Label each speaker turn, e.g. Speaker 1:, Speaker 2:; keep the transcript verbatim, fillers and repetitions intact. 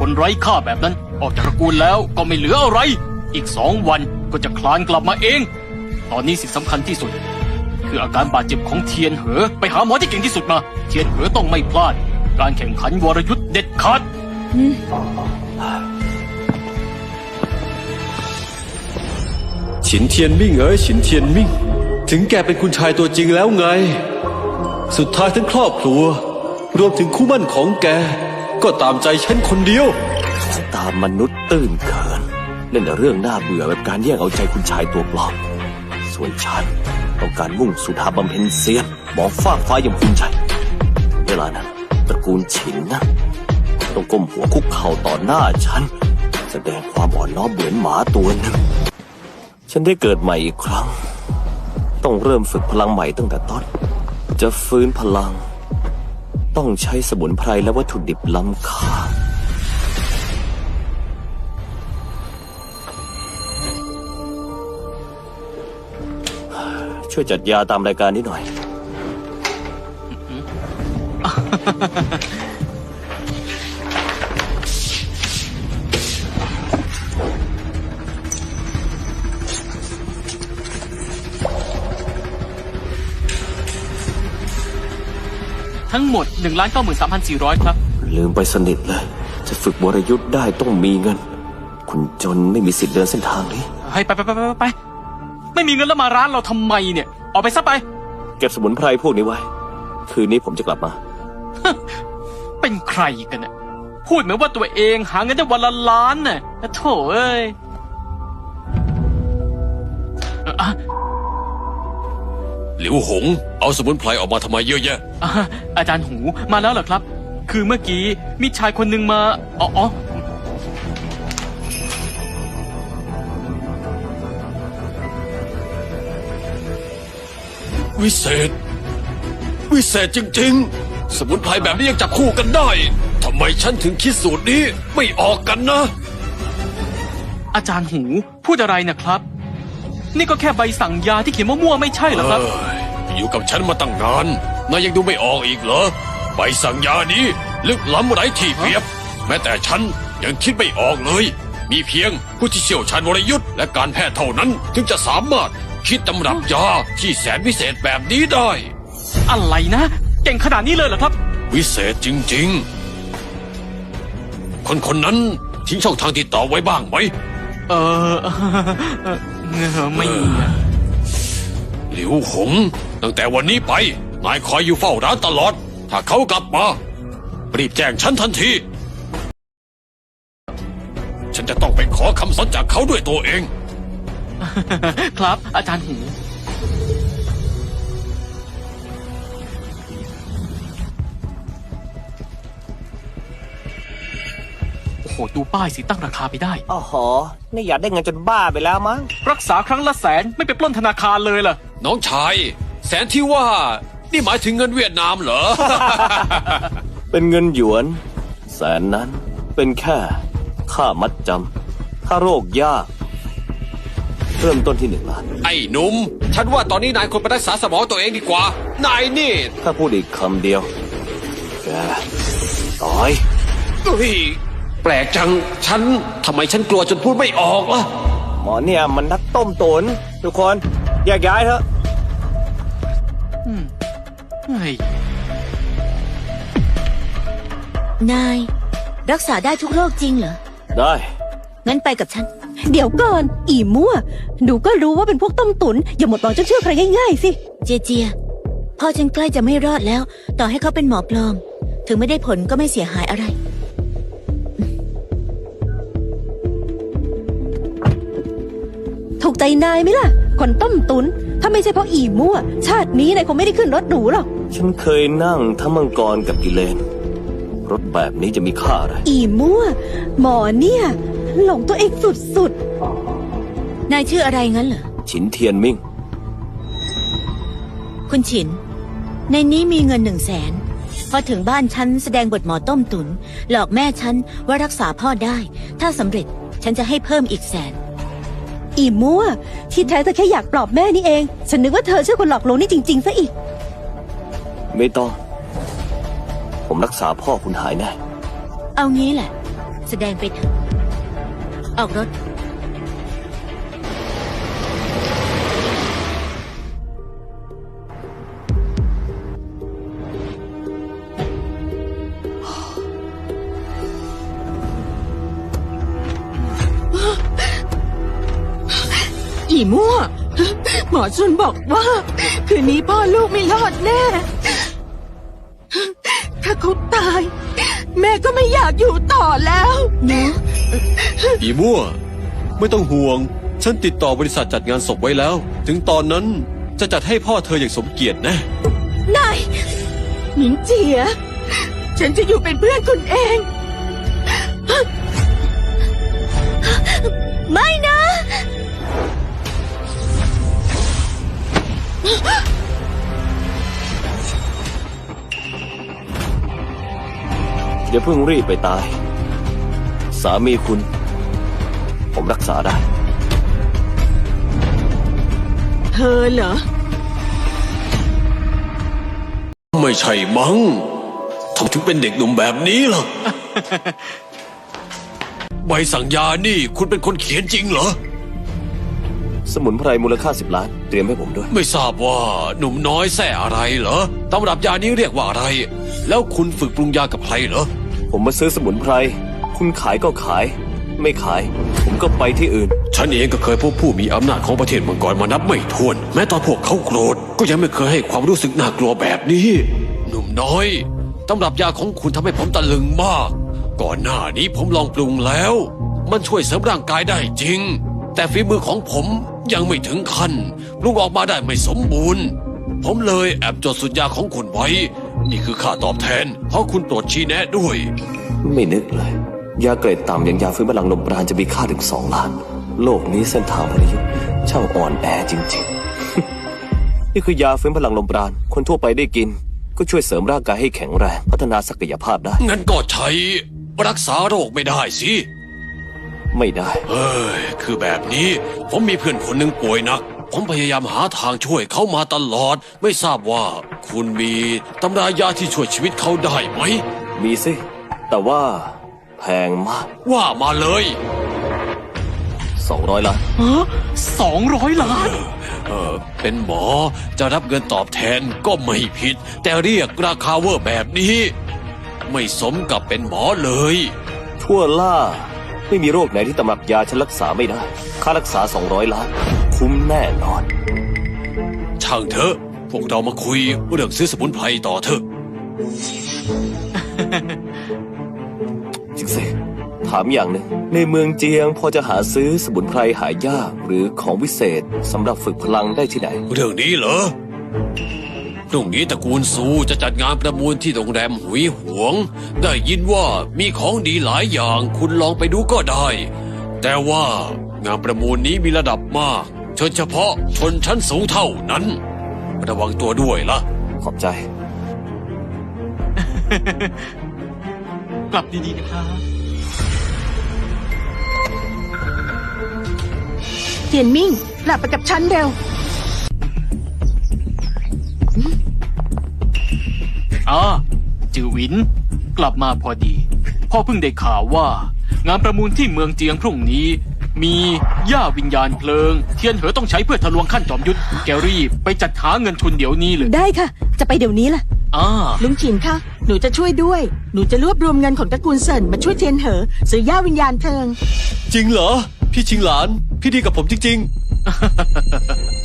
Speaker 1: คนไร้ค่าแบบนั้นออกจากตระกูลแล้วก็ไม่เหลืออะไรอีกสองวันก็จะคลานกลับมาเองตอนนี้สิ่งสำคัญที่สุดคืออาการบาดเจ็บของเทียนเหอไปหาหมอที่เก่งที่สุดมาเทียนเหอต้องไม่พลาดการแข่งขันวรยุทธ์เด็ดขาด
Speaker 2: ฉินเทียนมิ่งเอ๋ยฉินเทียนมิ่งถึงแกเป็นคุณชายตัวจริงแล้วไงสุดท้ายทั้งครอบครัวรวมถึงคู่มั่นของแกก็ตามใจฉันคนเดียว
Speaker 3: ตามมนุษย์ตื้นเขินเล่นแต่เรื่องน่าเบื่อแบบการแย่งเอาใจคุณชายตัวปลอมส่วนฉันต้องการมุ่งสู่ทางบำเพ็ญเซียนมองฟากฟ้าอย่างภูมิใจเวลานั้นตระกูลฉินนะต้องก้มหัวคุกเข่าต่อหน้าฉันแสดงความอ่อนน้อมเหมือนหมาตัวหนึ่งฉันได้เกิดใหม่อีกครั้งต้องเริ่มฝึกพลังใหม่ตั้งแต่ต้นจะฟื้นพลังต้องใช้สมุนไพรและวัตถุดิบล้ำค่าช่วยจัดยาตามรายการนี้หน่อย
Speaker 1: ทั้งหมด หนึ่งล้านเก้าหมื่นสามพันสี่ร้อย ครับ
Speaker 3: ลืมไปสนิทเลยจะฝึกวรยุทธ์ได้ต้องมีเงินคุณจนไม่มีสิทธิ์เดินเส้นทางนี้
Speaker 1: ให้ไปไปไปไปไปไม่มีเงินแล้วมาร้านเราทำไมเนี่ยออกไปซะไป
Speaker 3: เก็บสมุนไพรพวกนี้ไว้คืนนี้ผมจะกลับมา
Speaker 1: เป็นใครกันน่ะพูดเหมือนว่าตัวเองหาเงินได้วันละล้านน่ะโถ่เอ้ย
Speaker 2: หลิวหงเอาสมุนไพรออกมาทำไมเยอะแยะ
Speaker 1: อาจารย์หูมาแล้วเหรอครับคือเมื่อกี้มีชายคนหนึ่งมาอ๋ออ๋อ
Speaker 2: วิเศษวิเศษจริงๆสมุนไพรแบบนี้ยังจับคู่กันได้ทำไมฉันถึงคิดสูตรนี้ไม่ออกกันนะ
Speaker 1: อาจารย์หูพูดอะไรนะครับนี่ก็แค่ใบสั่งยาที่เขียนมั่วๆไม่ใช่เหรอครับ
Speaker 2: อยู่กับฉันมาตั้งนานนายยังดูไม่ออกอีกเหรอใบสั่งยานี้ลึกล้ำไร้ที่เปรียบแม้แต่ฉันยังคิดไม่ออกเลยมีเพียงผู้ที่เชี่ยวชาญวรยุทธ์และการแพทย์เท่านั้นถึงจะสามารถคิดตำรับยาที่แสนพิเศษแบบนี้ได้
Speaker 1: อะไรนะเก่งขนาดนี้เลยเหรอครับ
Speaker 2: วิเศษจริงๆคนคนนั้นทิ้งช่องทางติดต่อไว้บ้างไหม
Speaker 1: เออไม่มี
Speaker 2: หลิวหงตั้งแต่วันนี้ไปนายคอยอยู่เฝ้าร้านตลอดถ้าเขากลับมารีบแจ้งฉันทันทีฉันจะต้องไปขอคำสัญจากเขาด้วยตัวเอง
Speaker 1: ครับอาจารย์หูโอ้โหดูป้ายสิตั้งราคาไปได้
Speaker 3: อ๋อหอนี่อยากได้เงินจนบ้าไปแล้วมั้ง
Speaker 1: รักษาครั้งละแสนไม่ไปปล้นธนาคารเลยเหรอ
Speaker 2: น้องชายแสนที่ว่านี่หมายถึงเงินเวียดนามเหรอ
Speaker 3: เป็นเงินหยวนแสนนั้นเป็นแค่ค่ามัดจำค่าโรคยากเริ่มต้นที่หนึ่งล้าน
Speaker 2: ไอ้หนุ่มฉันว่าตอนนี้นายควรไปรักษาสมองตัวเองดีกว่านายนี่
Speaker 3: ถ้าพูดอีกคำเดียวแกตาย
Speaker 2: เฮ้ยแปลกจังฉันทำไมฉันกลัวจนพูดไม่ออกล่ะ
Speaker 3: หมอเนี่ยมันนักต้มตุ๋นทุกคนแยกย้ายเถอะ
Speaker 1: อืมเฮ้ย
Speaker 4: นายรักษาได้ทุกโรคจริงเหรอ
Speaker 3: ได้
Speaker 4: งั้นไปกับฉัน
Speaker 5: เดี๋ยวก่อนอีมั่วหนูก็รู้ว่าเป็นพวกต้มตุ๋นอย่าหมดหวังจนเชื่อใครง่ายๆสิ
Speaker 4: เจเจียพ่อฉันใกล้จะไม่รอดแล้วต่อให้เขาเป็นหมอปลอมถึงไม่ได้ผลก็ไม่เสียหายอะไร
Speaker 5: ถูกใจนายไหมล่ะคนต้มตุ๋นถ้าไม่ใช่เพราะอีมั่วชาตินี้นายคงไม่ได้ขึ้นรถหรูหรอก
Speaker 3: ฉันเคยนั่งทั้งมังกรกับกิเลนรถแบบนี้จะมีค่าอะไร
Speaker 5: อีมั่วหมอเนี่ยหลงตัวเองสุด
Speaker 4: ๆนายชื่ออะไรงั้นเหรอ
Speaker 3: ฉินเทียนมิ่ง
Speaker 4: คุณฉินในนี้มีเงินหนึ่งแสนพอถึงบ้านฉันแสดงบทหมอต้มตุนหลอกแม่ฉันว่ารักษาพ่อได้ถ้าสำเร็จฉันจะให้เพิ่มอีกแสน
Speaker 5: อีมั่วที่แท้เธอแค่อยากปลอบแม่นี่เองฉันนึกว่าเธอเชื่อคนหลอกลวงนี่จริงๆซะอีก
Speaker 3: ไม่ต้องผมรักษาพ่อคุณหายแน่
Speaker 4: เอางี้แหละแสดงไปเถอะ ออกรถ
Speaker 6: อีมั่ว หมอจุนบอกว่า คืนนี้พ่อลูกไม่รอดแน่ ถ้าเขาตาย แม่ก็ไม่อยากอยู่ต่อแล้ว
Speaker 4: เนาะ
Speaker 2: อีมั่ว ไม่ต้องห่วง ฉันติดต่อบริษัทจัดงานศพไว้แล้ว ถึงตอนนั้นจะจัดให้พ่อเธออย่างสมเกียรตินะ
Speaker 6: นายหนิงเจีย ฉันจะอยู่เป็นเพื่อนคุณเอง
Speaker 4: ไม่นะ
Speaker 3: อย่าเพิ่งรีบไปตาย สามีคุณ ผมรักษาได้
Speaker 6: เธอเหรอ
Speaker 2: ไม่ใช่มั้งทำไมถึงเป็นเด็กหนุ่มแบบนี้ล่ะ ใบสั่งยานี่คุณเป็นคนเขียนจริงเหรอ
Speaker 3: สมุนไพรมูลค่าสิบล้าน เตรียมให้ผมด้วย
Speaker 2: ไม่ทราบว่าหนุ่มน้อยแส่อะไรเหรอตำรับยานี้เรียกว่าอะไร แล้วคุณฝึกปรุงยากับใครเหรอ
Speaker 3: ผมมาซื้อสมุนไพร คุณขายก็ขาย ไม่ขาย ผมก็ไปที่อื่น
Speaker 2: ฉันเองก็เคยพบผู้มีอำนาจของประเทศมังกรมานับไม่ถ้วน แม้ตอนพวกเขาโกรธก็ยังไม่เคยให้ความรู้สึกน่ากลัวแบบนี้ หนุ่มน้อยตำรับยาของคุณทำให้ผมตะลึงมาก ก่อนหน้านี้ผมลองปรุงแล้ว มันช่วยเสริมร่างกายได้จริง แต่ฝีมือของผมยังไม่ถึงขั้นปรุงออกมาได้ไม่สมบูรณ์ ผมเลยแอบจดสูตรยาของคุณไว้ นี่คือค่าตอบแทนเพราะคุณโปรดชี้แนะด้วย
Speaker 3: ไม่นึกเลย ยาเกรดต่ำอย่างยาฟื้นพลังลมปราณจะมีค่าถึงสองล้าน โลกนี้เส้นทางพลยุทธ์ช่างอ่อนแอจริงๆ นี่คือยาฟื้นพลังลมปราณ คนทั่วไปได้กิน ก็ช่วยเสริมร่างกายให้แข็งแรง พัฒนาศักยภาพได้
Speaker 2: งั้นก็ใช้รักษาโรคไม่ได้สิ
Speaker 3: ไม่ได้
Speaker 2: เฮ้ย คือแบบนี้ ผมมีเพื่อนคนหนึ่งป่วยหนัก ผมพยายามหาทางช่วยเขามาตลอด ไม่ทราบว่าคุณมีตำรายาที่ช่วยชีวิตเขาได้ไหม
Speaker 3: มีสิ แต่ว่าแพงมาก
Speaker 2: ว่ามาเลย
Speaker 3: สองร้อยล้าน
Speaker 1: สองร้อยล้าน
Speaker 2: เออเป็นหมอจะรับเงินตอบแทนก็ไม่ผิด แต่เรียกราคาเวอร์แบบนี้ ไม่สมกับเป็นหมอเลย
Speaker 3: ทั่วล่า ไม่มีโรคไหนที่ตำรับยาฉันรักษาไม่ได้ ค่ารักษาสองร้อยล้าน คุ้มแน่นอน
Speaker 2: ช่างเถอะ พวกเรามาคุยเรื่องซื้อสมุนไพรต่อเถอะ
Speaker 3: จริงสิ ถามอย่างหนึ่งในเมืองเจียงพอจะหาซื้อสมุนไพรหายากหรือของวิเศษสำหรับฝึกพลังได้ที่ไหน
Speaker 2: เรื่องนี้เหรอ พรุ่งนี้ตระกูลซูจะจัดงานประมูลที่โรงแรมหุยหวง ได้ยินว่ามีของดีหลายอย่างคุณลองไปดูก็ได้ แต่ว่างานประมูลนี้มีระดับมาก เชิญเฉพาะชนชั้นสูงเท่านั้น ระวังตัวด้วยล่ะ
Speaker 3: ขอบใจ
Speaker 1: กลับดีๆนะครับ
Speaker 6: เทียนมิ่งกลับไปกับฉันเร็ว
Speaker 1: อ่าจือหวิน กลับมาพอดี พ่อเพิ่งได้ข่าวว่า งานประมูลที่เมืองเจียงพรุ่งนี้ มีย่าวิญญาณเพลิง เทียนเหอต้องใช้เพื่อทะลวงขั้นจอมยุทธแกรีบไปจัดหาเงินทุนเดี๋ยวนี้เลย
Speaker 5: ได้ค่ะ จะไปเดี๋ยวนี้ล่ะ
Speaker 1: อ่า
Speaker 6: ลุงฉินคะ หนูจะช่วยด้วย หนูจะรวบรวมเงินของตระกูลเซินมาช่วยเทียนเหอซื้อย่าวิญญาณเพลิง
Speaker 2: จริงเหรอ พี่ชิงหลาน พี่ดีกับผมจริง ๆ